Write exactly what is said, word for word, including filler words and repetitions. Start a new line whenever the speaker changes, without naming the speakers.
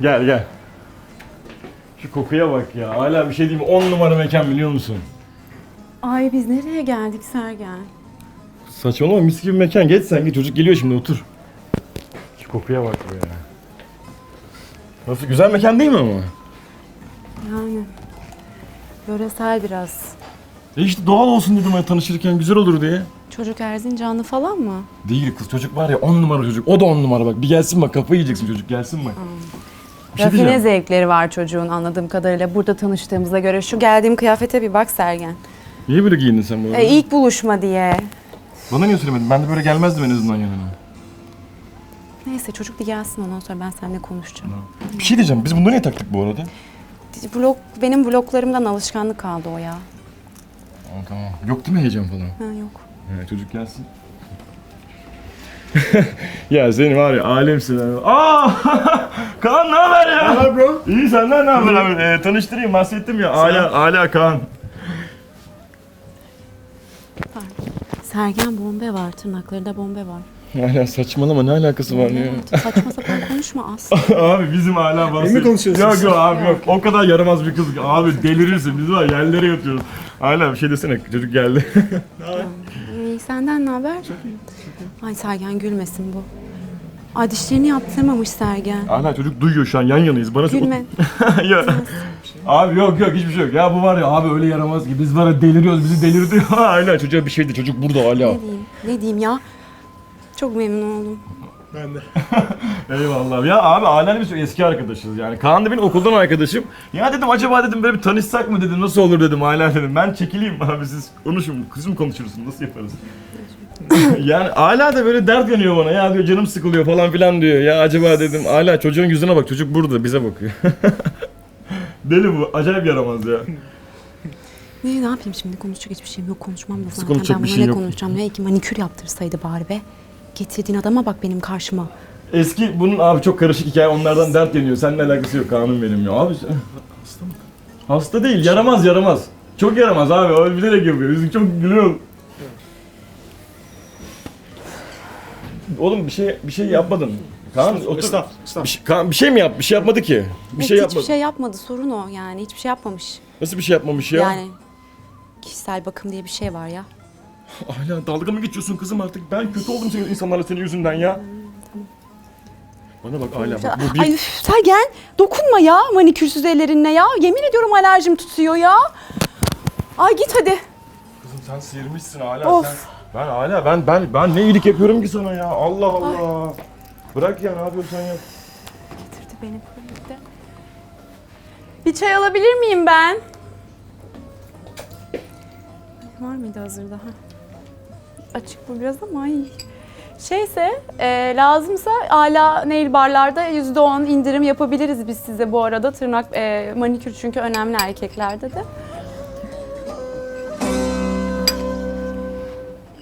Gel gel. Şu kokuya bak ya. Hala bir şey diyeyim mi? on numara mekan biliyor musun?
Ay biz nereye geldik Sergen?
Saçmalama mis gibi mekan. Geç sen git. Çocuk geliyor şimdi otur. Şu kokuya bak be. Nasıl güzel mekan değil mi ama?
Yani yöresel biraz.
E işte doğal olsun dedim ya tanışırken güzel olur diye.
Çocuk Erzincanlı falan mı?
Değil kız çocuk var ya on numara çocuk. O da on numara bak. Bir gelsin bak kafayı yiyeceksin çocuk gelsin bak. Bir şey
Rafine
diyeceğim.
zevkleri var çocuğun anladığım kadarıyla. Burada tanıştığımıza göre şu geldiğim kıyafete bir bak Sergen.
Niye böyle giyindin sen bu arada?
E, ilk buluşma diye.
Bana niye söylemedin? Ben de böyle gelmezdim en azından yanına.
Neyse çocuk bir gelsin ondan sonra ben seninle konuşacağım.
Bir şey diyeceğim. Biz bunları niye taktık bu arada?
Blog, benim bloklarımdan alışkanlık kaldı o ya.
Aa, tamam. Yok değil mi heyecan falan?
Ha yok.
Evet, çocuk gelsin. Ya senin var ya alemsin abi. Aa! Kaan ne haber ya?
Ne haber bro?
İyi senden ne haber abi? Ee, tanıştırayım bahsettim ya. Ala, Ala Kaan.
Sergen bombe var, tırnaklarında bombe var.
Hala saçmalama ne alakası var ya?
Saçma sapan konuşma Aslı.
Abi bizim hala bahsediyor.
mi konuşuyorsun
Yok
sen?
yok abi yok. O kadar yaramaz bir kız. Abi delirirsin. Biz var yerlere yatıyoruz. Hala bir şey desene. Çocuk geldi.
İyi, senden ne haber? Ay Sergen gülmesin bu. Ay dişlerini yaptırmamış Sergen.
Hala çocuk duyuyor şu an yan yanayız. Bana
Gülme.
ya. Abi yok yok hiçbir şey yok. Ya bu var ya abi öyle yaramaz ki. Biz var ya deliriyoruz. Bizi delirdi. Hala çocuğa bir şeydi. Çocuk burada hala.
Ne diyeyim? Ne diyeyim ya? Çok memnun oldum.
Ben de.
Eyvallah. Ya abi Hala biz eski arkadaşız yani. Kaan da benim okuldan arkadaşım. Ya dedim acaba dedim böyle bir tanışsak mı dedim. Nasıl olur dedim Hala dedim. Ben çekileyim abi siz konuşun. Kızım konuşursun. Nasıl yaparız? Yani Hala da böyle dert yanıyor bana. Ya diyor canım sıkılıyor falan filan diyor. Ya acaba dedim Hala çocuğun yüzüne bak. Çocuk burada bize bakıyor. Deli bu. Acayip yaramaz ya.
Ne, ne yapayım şimdi? Konuşacak hiçbir şeyim yok. Konuşmam da zaten.
konuşacak
Ben
bir
buna
şey
ne
yok.
konuşacağım? Ne iki manikür yaptırsaydı bari be. Getirdiğin adama bak benim karşıma.
Eski bunun abi çok karışık hikaye onlardan dert yanıyor. Seninle alakası yok Kaan'ım benim ya. Abi sen-
Hasta mı?
hasta değil yaramaz yaramaz. Çok yaramaz abi. O bilerek yapıyor. Bizim çok gülüyor. Oğlum bir şey bir şey yapmadın. Kaan otur.
Estağfurullah.
Bir
Estağfurullah.
şey, Kaan, bir şey mi yap? Bir şey yapmadı ki. Bir
Evet,
şey
hiçbir
yapmadı.
şey yapmadı. Sorun o yani. Hiçbir şey yapmamış.
Nasıl bir şey yapmamış ya?
Yani kişisel bakım diye bir şey var ya.
Hala dalga mı geçiyorsun kızım artık? Ben kötü oldum senin insanlarla senin yüzünden ya. Bana bak Hala bak bu bir...
Ay üf, Sergen dokunma ya manikürsüz ellerinle ya. Yemin ediyorum alerjim tutuyor ya. Ay git hadi.
Kızım sen sıyırmışsın Hala
Of.
sen. Ben Hala ben ben ben ne iyilik yapıyorum ki sana ya? Allah Allah. Bırak ya ne yapıyorsun sen ya?
Getirdi beni birlikte. Bir çay alabilir miyim ben? Var mıydı hazırda? Ha. Açık bu biraz ama ay. Şeyse e, lazımsa hala nail barlarda yüzde on indirim yapabiliriz biz size bu arada. Tırnak e, manikür çünkü önemli erkeklerde de.